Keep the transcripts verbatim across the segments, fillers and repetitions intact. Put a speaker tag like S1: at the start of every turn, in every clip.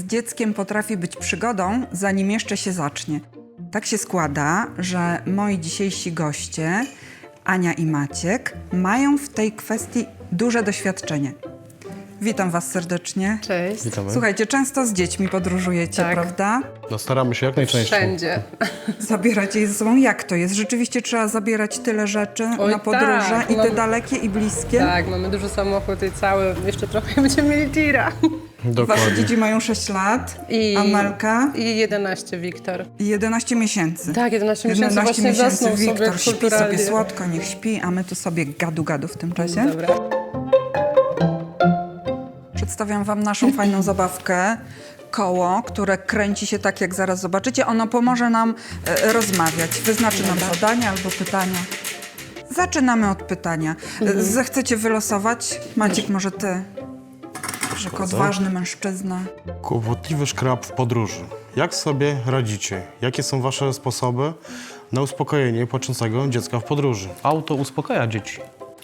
S1: dzieckiem potrafi być przygodą, zanim jeszcze się zacznie. Tak się składa, że moi dzisiejsi goście, Ania i Maciek, mają w tej kwestii duże doświadczenie. Witam was serdecznie.
S2: Cześć.
S3: Witamy.
S1: Słuchajcie, często z dziećmi podróżujecie,
S2: Tak.
S1: prawda?
S3: No staramy się jak najczęściej.
S2: Wszędzie.
S1: Zabieracie je ze sobą. Jak to jest? Rzeczywiście trzeba zabierać tyle rzeczy
S2: Oj,
S1: na podróże,
S2: tak,
S1: i te
S2: mamy-
S1: dalekie, i bliskie?
S2: Tak, mamy duży samochód i cały, jeszcze trochę będziemy mieli tira.
S1: Wasze
S3: Dokładnie.
S1: dzieci mają sześć lat,
S2: I,
S1: Amelka
S2: I jedenaście, Wiktor.
S1: i jedenaście miesięcy.
S2: Tak, jedenaście miesięcy
S1: jedenaście
S2: właśnie
S1: miesięcy
S2: zasnął
S1: Wiktor
S2: sobie
S1: śpi
S2: kulturalnie.
S1: sobie słodko, niech śpi, a my tu sobie gadu-gadu w tym czasie.
S2: Dobra.
S1: Przedstawiam wam naszą fajną zabawkę. Koło, które kręci się tak, jak zaraz zobaczycie. Ono pomoże nam e, rozmawiać. Wyznaczy nam zadania albo pytania. Zaczynamy od pytania. Mhm. Zechcecie wylosować? Maciek, może ty? Jako odważny mężczyzna.
S3: Kłopotliwy szkrab w podróży. Jak sobie radzicie? Jakie są wasze sposoby na uspokojenie płaczącego dziecka w podróży? Auto uspokaja dzieci.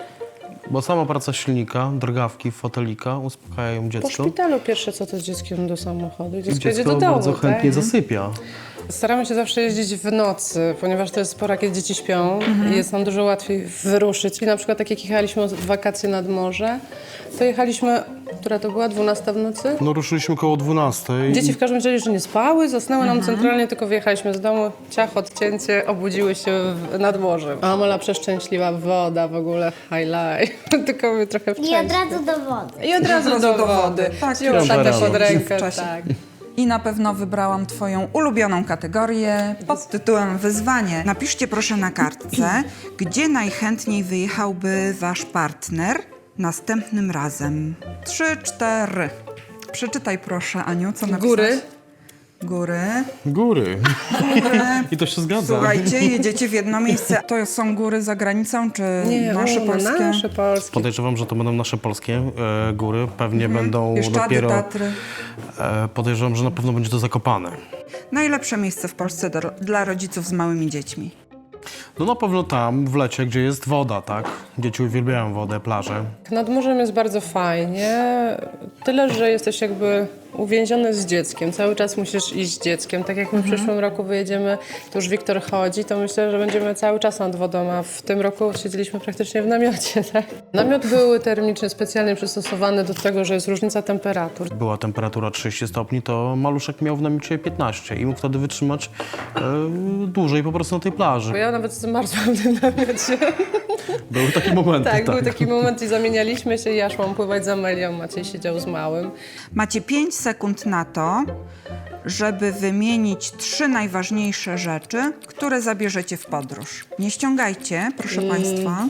S3: Bo sama praca silnika, drgawki, fotelika uspokajają
S2: Po
S3: dziecko.
S2: szpitalu pierwsze co to z dzieckiem do samochodu.
S3: I
S2: Dziecko jedzie
S3: dziecko
S2: do domu,
S3: bardzo chętnie
S2: tak?
S3: zasypia.
S2: Staramy się zawsze jeździć w nocy, ponieważ to jest pora, kiedy dzieci śpią i jest nam dużo łatwiej wyruszyć. I na przykład tak jak jechaliśmy w wakacje nad morze, to jechaliśmy, która to była, dwunasta w nocy?
S3: No ruszyliśmy koło dwunastej.
S2: Dzieci w każdym razie jeszcze nie spały, zasnęły nam centralnie, tylko wyjechaliśmy z domu, ciach, odcięcie, obudziły się w, nad morzem. A Amola przeszczęśliwa, woda w ogóle, highlight, tylko my trochę
S4: I
S2: wcześniej.
S4: od razu do wody.
S2: I od razu do,
S1: do wody.
S2: wody.
S1: Tak,
S2: Wzięła
S3: już
S2: tatę
S3: rano.
S2: pod rękę,
S1: W czasie.
S2: tak.
S1: I na pewno wybrałam twoją ulubioną kategorię pod tytułem Wyzwanie. Napiszcie proszę na kartce, gdzie najchętniej wyjechałby wasz partner następnym razem. Trzy, cztery. Przeczytaj proszę, Aniu, co napisałaś.
S2: Góry.
S1: Góry.
S3: Góry.
S1: Góry.
S3: I to się zgadza.
S1: Słuchajcie, jedziecie w jedno miejsce. To są góry za granicą, czy
S2: Nie,
S1: nasze
S2: o,
S1: polskie?
S2: nasze polskie.
S3: Podejrzewam, że to będą nasze polskie e, góry. Pewnie będą
S1: Bieszczady,
S3: dopiero...
S1: Tatry.
S3: E, podejrzewam, że na pewno będzie to Zakopane.
S1: Najlepsze miejsce w Polsce do, dla rodziców z małymi dziećmi.
S3: No na pewno tam, w lecie, gdzie jest woda, tak? Dzieci uwielbiają wodę, plaże.
S2: Nad morzem jest bardzo fajnie, tyle, że jesteś jakby uwięziony z dzieckiem. Cały czas musisz iść z dzieckiem. Tak jak my w przyszłym roku wyjedziemy, to już Wiktor chodzi, to myślę, że będziemy cały czas nad wodą, a w tym roku siedzieliśmy praktycznie w namiocie. Tak? Namiot był termicznie specjalnie przystosowany do tego, że jest różnica temperatur.
S3: Była temperatura trzydzieści stopni, to maluszek miał w namiocie piętnaście i mógł wtedy wytrzymać e, dłużej po prostu na tej plaży.
S2: Bo ja nawet zmarzłam w tym namiocie.
S3: Były takie momenty,
S2: Tak,
S3: tak.
S2: był taki moment i zamienialiśmy się i ja szłam pływać z Amelią, Maciej siedział z małym.
S1: Macie pięć sekund na to, żeby wymienić trzy najważniejsze rzeczy, które zabierzecie w podróż. Nie ściągajcie, proszę Państwa.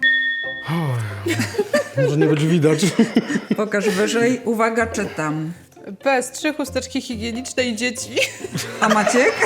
S3: Może nie będzie widać.
S1: Pokaż wyżej. Uwaga, czytam.
S2: P S trzy, chusteczki higieniczne i dzieci.
S1: A Maciek?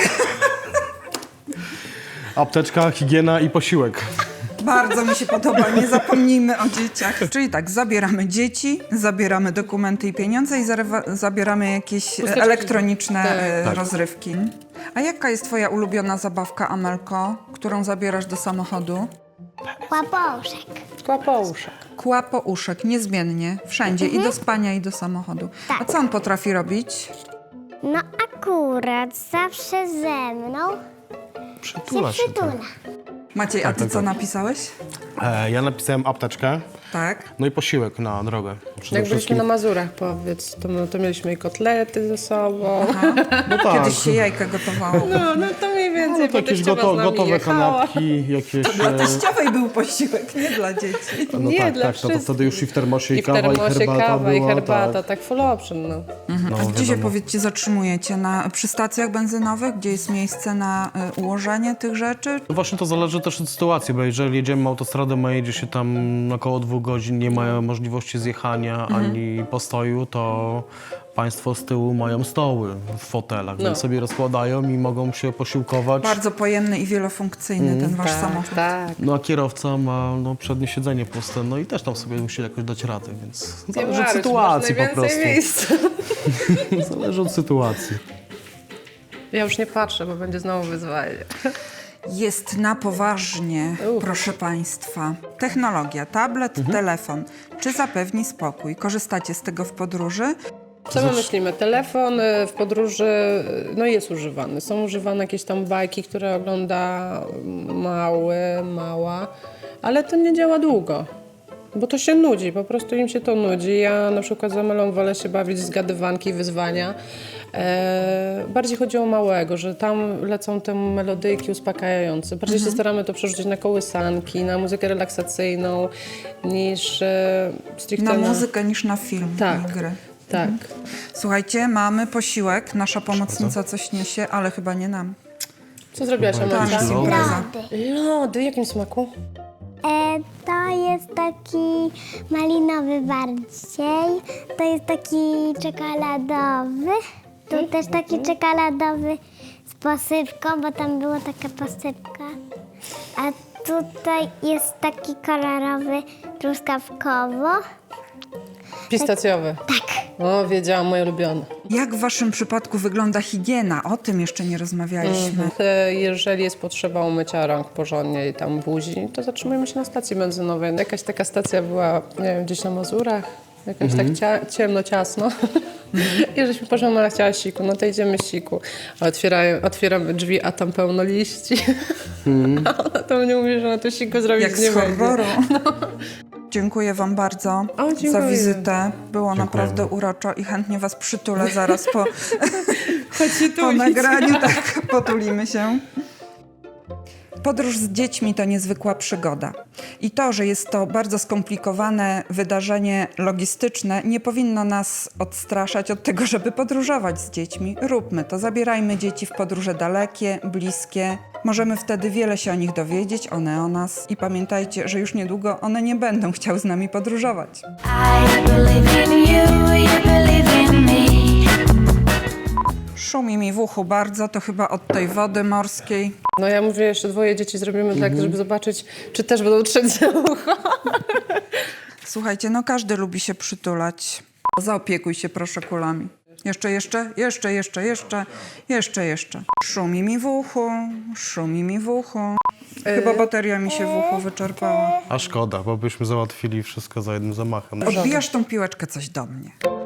S3: Apteczka, higiena i posiłek.
S1: Bardzo mi się podoba, nie zapomnijmy o dzieciach. Czyli tak, zabieramy dzieci, zabieramy dokumenty i pieniądze i zarewa- zabieramy jakieś e,
S2: Chusteczki.
S1: elektroniczne
S2: Tak.
S1: e,
S3: Tak.
S1: rozrywki. A jaka jest twoja ulubiona zabawka, Amelko, którą zabierasz do samochodu?
S4: Łaposzek.
S2: Kłapouszek.
S1: Kłapouszek, niezmiennie, wszędzie, i do spania, i do samochodu. A co on potrafi robić?
S4: No akurat zawsze ze mną
S3: Przytula
S4: się
S3: się.
S4: przytula.
S1: Maciej, a ty
S3: tak,
S1: co
S3: tak.
S1: napisałeś?
S3: E, ja napisałem apteczkę,
S1: Tak.
S3: no i posiłek na drogę. Przede
S2: Jak byliśmy
S3: wszystkim.
S2: na Mazurach, powiedz, to, my- to mieliśmy i kotlety ze sobą.
S3: No tak.
S1: Kiedyś się jajka gotowało.
S2: No, no to mniej więcej.
S3: No to jakieś
S2: teściowa
S3: goto,
S2: z nami
S3: gotowe
S2: jechała.
S3: kanapki, jakieś...
S1: Dla
S3: e,
S1: teściowej był posiłek, nie dla dzieci.
S3: No
S2: Nie,
S3: tak,
S2: dla
S3: tak, no to
S2: wszystkich.
S3: wtedy już i w termosie i,
S2: I w
S3: kawa,
S2: termosie
S3: i herbata
S2: kawa, i
S3: była,
S2: herbata,
S3: tak.
S2: tak full option, no.
S3: No,
S1: A gdzie się,
S3: wiadomo.
S1: powiedzcie, zatrzymujecie? Na, przy stacjach benzynowych, gdzie jest miejsce na y, ułożenie tych rzeczy?
S3: No właśnie to zależy też od sytuacji, bo jeżeli jedziemy autostradą, a jedzie się tam około dwóch godzin, nie ma możliwości zjechania ani postoju, to państwo z tyłu mają stoły w fotelach,
S2: No.
S3: więc sobie rozkładają i mogą się posiłkować.
S1: Bardzo pojemny i wielofunkcyjny ten wasz samochód.
S2: tak.
S3: No a kierowca ma no, przednie siedzenie puste, no i też tam sobie musi jakoś dać radę, więc zależy od
S2: Maruś,
S3: sytuacji
S2: masz
S3: po
S2: najwięcej
S3: prostu.
S2: miejsca.
S3: Zależy od sytuacji.
S2: Ja już nie patrzę, bo będzie znowu wyzwanie.
S1: Jest na poważnie,
S2: Uf.
S1: proszę Państwa. Technologia, tablet, telefon. Czy zapewni spokój? Korzystacie z tego w podróży?
S2: Co my myślimy? Telefon y, w podróży y, no jest używany. Są używane jakieś tam bajki, które ogląda mały, mała, ale to nie działa długo. Bo to się nudzi, po prostu im się to nudzi. Ja na przykład z Amelą wolę się bawić w zgadywanki, wyzwania. E, bardziej chodzi o małego, że tam lecą te melodyjki uspokajające. Bardziej
S1: Mhm.
S2: się staramy to przerzucić na kołysanki, na muzykę relaksacyjną, niż e, stricte
S1: Na muzykę niż na film
S2: Tak.
S1: i gry.
S2: Tak.
S1: Słuchajcie, mamy posiłek. Nasza pomocnica coś niesie, ale chyba nie nam.
S2: Co zrobiłaś,
S1: Dla
S2: Amelka?
S1: nas
S3: Lody.
S1: impreza.
S4: Lody.
S2: Lody, w jakim smaku?
S4: E, to jest taki malinowy bardziej. To jest taki czekoladowy. Tu też taki czekoladowy z posypką, bo tam była taka posypka. A tutaj jest taki kolorowy truskawkowo.
S2: Pistacjowy.
S4: Tak.
S2: O, wiedziałam, moje ulubione.
S1: Jak w waszym przypadku wygląda higiena? O tym jeszcze nie rozmawialiśmy.
S2: E, Jeżeli jest potrzeba umycia rąk porządnie i tam buzi, to zatrzymujemy się na stacji benzynowej. Jakaś taka stacja była, nie wiem, gdzieś na Mazurach, jakoś tak cia ciemno, ciasno. I żeśmy poszła, Mara chciała siku, no to idziemy siku. A otwierają, otwieramy drzwi, a tam pełno liści. A ona to mnie mówi, że na to siku zrobić
S1: Jak
S2: nie
S1: z
S2: będzie.
S1: horroru. Dziękuję wam bardzo
S2: O, dziękuję.
S1: za wizytę. Było
S3: Dziękujemy.
S1: naprawdę uroczo i chętnie was przytulę zaraz po,
S2: Chodź się
S1: po
S2: tulić.
S1: nagraniu. Tak, potulimy się. Podróż z dziećmi to niezwykła przygoda. I to, że jest to bardzo skomplikowane wydarzenie logistyczne, nie powinno nas odstraszać od tego, żeby podróżować z dziećmi. Róbmy to, zabierajmy dzieci w podróże dalekie, bliskie. Możemy wtedy wiele się o nich dowiedzieć, one o nas. I pamiętajcie, że już niedługo one nie będą chciały z nami podróżować.
S5: I believe in you, you believe in me.
S1: Szumi mi w uchu bardzo, to chyba od tej wody morskiej.
S2: No ja mówię, jeszcze dwoje dzieci zrobimy tak, żeby zobaczyć, czy też będą trzeć za ucho.
S1: Słuchajcie, no każdy lubi się przytulać. Zaopiekuj się proszę kulami. Jeszcze, jeszcze, jeszcze, jeszcze, jeszcze, jeszcze, jeszcze. Szumi mi w uchu, szumi mi w uchu. Chyba bateria mi się w uchu wyczerpała.
S3: A szkoda, bo byśmy załatwili wszystko za jednym zamachem.
S1: Odbijasz tą piłeczkę coś do mnie.